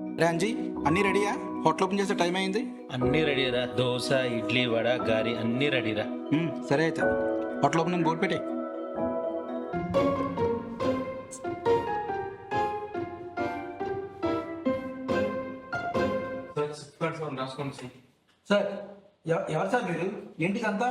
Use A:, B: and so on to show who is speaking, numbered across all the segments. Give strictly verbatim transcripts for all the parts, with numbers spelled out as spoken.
A: రాంజీ అన్నీ రెడీయా? Hotel open చేసే టైం అయింది.
B: అన్నీ రెడీరా. దోశ, ఇడ్లీ, వడ, గారి అన్నీ రెడీరా.
A: ఉమ్, సరే అయితే హోటల్ ఓపెనింగ్ బోర్డు పెట్టే. సార్ ఎవ- ఎవరు సార్ మీరు? ఏంటి అంతా?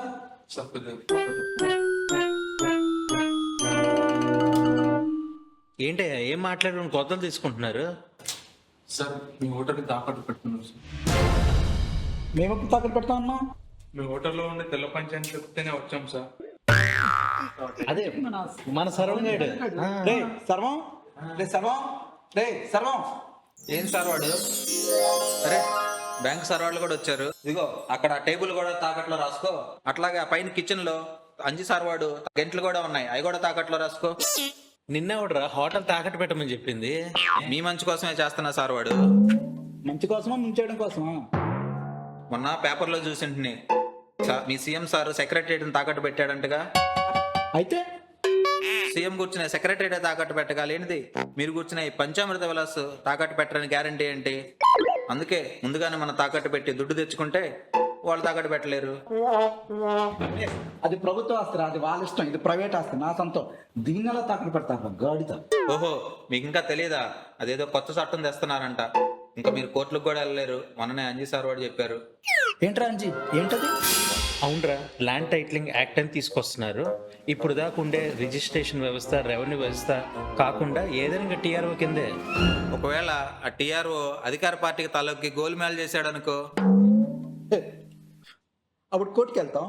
B: ఏంటి ఏం మాట్లాడడం కొత్తలు తీసుకుంటున్నారు?
C: సార్ మీ హోటల్కి తాకట్టు పెడుతున్నాం సార్.
A: మేము ఎప్పుడు తాకట్టు పెడతా ఉన్నాం?
C: మీ హోటల్లో ఉండే తెల్ల పంచాయతీ చెప్తేనే వచ్చాం సార్.
B: అదే మన సర్వంగాడు.
A: రే సర్వం, రే సర్వం, రే సర్వం.
D: ఏం సార్ వాడు? అరే బ్యాంక్ సార్ వాళ్ళు కూడా వచ్చారు. ఇదిగో అక్కడ టేబుల్ కూడా తాకట్లో రాసుకో. అట్లాగే ఆ పైన కిచెన్ లో అంజి సార్ వాడు గంటలు కూడా ఉన్నాయి, అవి కూడా తాకట్లో రాసుకో.
B: నిన్నెవడరా హోటల్ తాకట్టు పెట్టమని చెప్పింది?
D: మీ మంచి కోసమే చేస్తున్నా సార్ వాడు.
A: మంచి కోసమా ముంచేయడం కోసమా?
D: మొన్న పేపర్లో చూసింటిని సా- మీ సీఎం సార్ సెక్రటరీని తాకట్టు పెట్టాడంటగా.
A: అయితే
D: సీఎం కూర్చునే సెక్రటరీ తాకట్టు పెట్టగా లేనిది మీరు కూర్చునే ఈ పంచామృత విలాస్ తాకట్టు పెట్టడానికి గ్యారంటీ ఏంటి? అందుకే ముందుగానే మనం తాకట్టు పెట్టి దుడ్డు తెచ్చుకుంటే వాళ్ళు తాకట్టు పెట్టలేరు.
A: అది ప్రభుత్వ ఆస్తి, అది వాళ్ళ ఇష్టం. ఇది ప్రైవేట్ ఆస్తి, నా సొంతం. దీన్ని ఎలా తాకట్టు పెడతారు గాడిద?
D: ఓహో మీకు ఇంకా తెలియదా? అదేదో కొత్త చట్టం తెస్తున్నారంట. ఇంకా మీరు కోర్టులకు కూడా వెళ్ళలేరు. మొన్ననే అంజీ సార్ వాడు చెప్పారు.
A: ఏంట్రా అంజీ, ఏంటది?
B: అవునరా, ల్యాండ్ టైటిలింగ్ యాక్ట్ అని తీసుకొస్తున్నారు. ఇప్పుడు దాకా ఉండే రిజిస్ట్రేషన్ వ్యవస్థ, రెవెన్యూ వ్యవస్థ కాకుండా ఏదైనా టీఆర్ఓ కిందే.
D: ఒకవేళ ఆ టీఆర్ఓ అధికార పార్టీకి తలొక్కి గోల్మాల్ చేశాడు అనుకో.
A: హే, అప్పుడు కోర్టుకి వెళ్తాం.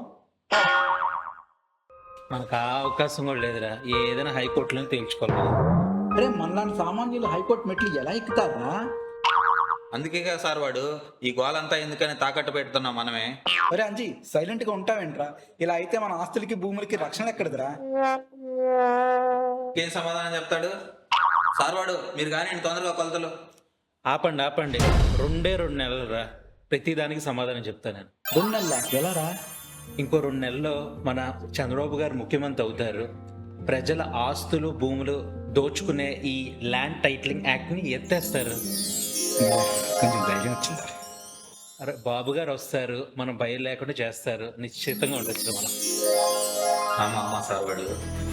B: మనకు ఆ అవకాశం కూడా లేదురా. ఏదైనా హైకోర్టులో తేల్చుకోవాలి.
A: అరే మనలాంటి సామాన్యులు హైకోర్టు మెట్లు ఎలా ఎక్కుతారా?
D: అందుకే కదా సార్ వాడు ఈ గోలంతా ఎందుకని తాకట్టు పెడుతున్నాం మనమే.
A: అరే అంజీ, సైలెంట్ గా ఉంటావేంట్రా? ఇలా అయితే మన ఆస్తులకి భూములకి రక్షణ ఎక్కడదిరా?
D: ఏం సమాధానం చెప్తాడు సార్ వాడు? మీరు కానీ తొందరగా కొలతలు.
B: ఆపండి ఆపండి, రెండే రెండు నెలలు రా, ప్రతిదానికి సమాధానం చెప్తాను నేను.
A: రెండు నెలల ఎలా రా?
B: ఇంకో రెండు నెలల్లో మన చంద్రబాబు గారు ముఖ్యమంత్రి అవుతారు. ప్రజల ఆస్తులు భూములు దోచుకునే ఈ ల్యాండ్ టైటిలింగ్ యాక్ట్ని ఎత్తేస్తారు.
A: కొంచెం ధైర్యం వచ్చింది.
B: అరే బాబు గారు వస్తారు, మనం భయం లేకుండా చేస్తారు. నిశ్చితంగా ఉండొచ్చు మనం.
D: ఆమా అమ్మా సార్ వాడు